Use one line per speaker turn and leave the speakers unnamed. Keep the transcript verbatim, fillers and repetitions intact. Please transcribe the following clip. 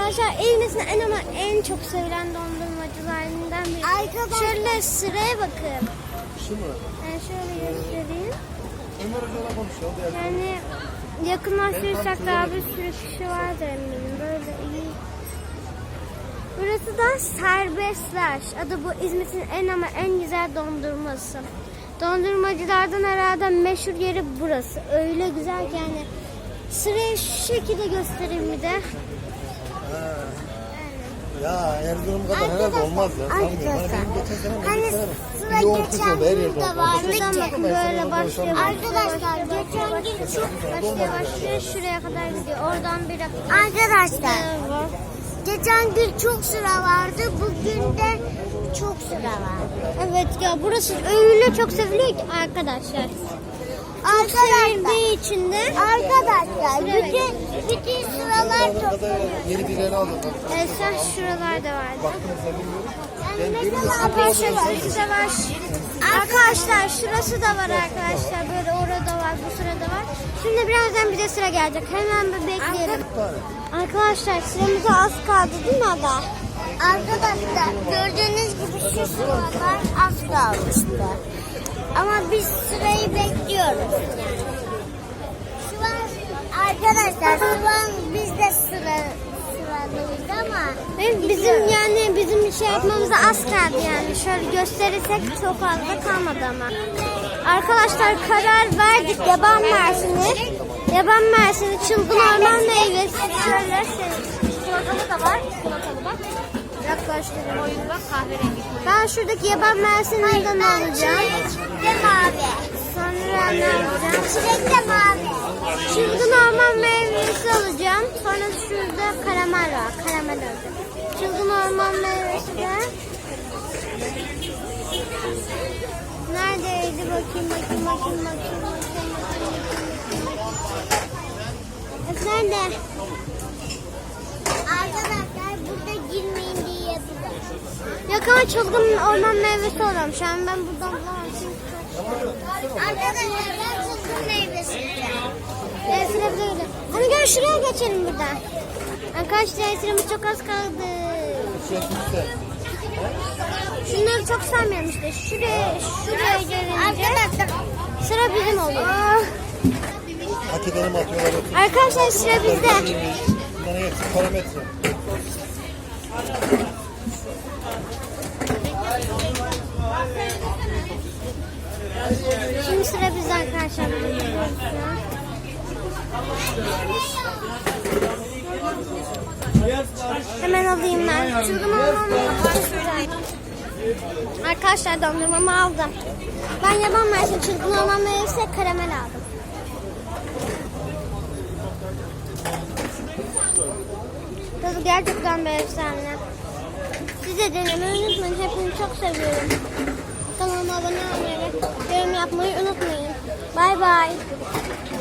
Arkadaşlar İzmir'in en ama en çok sevilen dondurmacılarından biri. Arkadaşlar şöyle sıraya bakın.
Şu mu?
Yani şöyle göstereyim.
Ömer Hoca'yla konuşuyor.
Yani yakınlaştırırsak daha bir sürü kişi vardır eminim. Böyle iyi. Burası da Serbestler. Adı bu İzmir'in en ama en güzel dondurması. Dondurmacılardan herhalde meşhur yeri burası. Öyle güzel ki yani. Sırayı şu şekilde göstereyim bir de.
Ha. Ya Erzurum kadar herhalde olmaz ya.
Arkadaşlar.
Hani
sıra geçen gün de var. Şuradan bakın böyle başlıyor. Arkadaşlar geçen gün çok başlıyor başlıyor. Şuraya kadar gidiyor. Oradan bir arkadaşlar. Geçen gün çok sıra vardı. Bugün de çok sıra var. Evet ya burası öyle çok seviliyor ki arkadaşlar. Çok sevildiği için de arkadaşlar bütün bütün sıralar toplanıyor.
Yeni bir yere aldım.
Evet sen şuralarda vardı.
Baktığınızda bilmiyorum.
Arkadaşlar şurası da var. Arkadaşlar şurası da var arkadaşlar. Böyle orada var, bu sırada var. Şimdi birazdan bize sıra gelecek. Hemen bir bekleyelim. Arkadaşlar sıramıza az kaldı değil mi Ada? Arkadaşlar gördüğünüz gibi şu sıralar az kalmıştı. Ama biz sırayı bekliyoruz. Şu an arkadaşlar şu an biz de sıra sıradayız ama bizim yani bizim şey yapmamıza az kaldı yani. Şöyle gösterirsek çok fazla kalmadı ama. Arkadaşlar karar verdik. Yaban mersini. Yaban mersini, çılgın orman meyvesi. Şöyle çikolatalı da var. Çikolatalı bak. Yaklaştırdım. Oyunu bak kahverengi. Ben şuradaki yaban mersininden alacağım. Çilek de mavi. Sonra ne alacağım? Çilek de mavi. Çılgın orman meyvesi alacağım. Sonra şurada karamel var. Karamel alacağım. Çılgın orman meyvesi de. Neredeydi? Bakayım bakayım bakayım bakayım. bakayım. Nerede? Arkadaşlar burada girmeyin diye yapacağım. Yok ama çılgın orman meyvesi alıyorum. Şu an ben buradan bulamam. Arkadaşlar ben çılgın meyvesi yiyeceğim. Evet sıra bize gidiyor. Hani gel şuraya geçelim buradan. Arkadaşlar sıramız çok az kaldı. Şunları çok sevmiyorum işte. Şuraya, şuraya gelince sıra bizim oluyor.
Hakikaten mi atıyorlar?
Arkadaşlar sıra bizde.
Bunların hepsi parametre.
Şimdi sıra bizde arkadaşlar. Hemen alayım ben. Çılgın orman meyvesi. Arkadaşlar dondurmamı aldım. Ben yaban mersini, çılgın orman meyvesi, karamel aldım. Tadı gerçekten bir efsane. Siz de denemeyi unutmayın. Hepinizi çok seviyorum. Kanalıma abone olmayı ve yorum yapmayı unutmayın. Bay bay.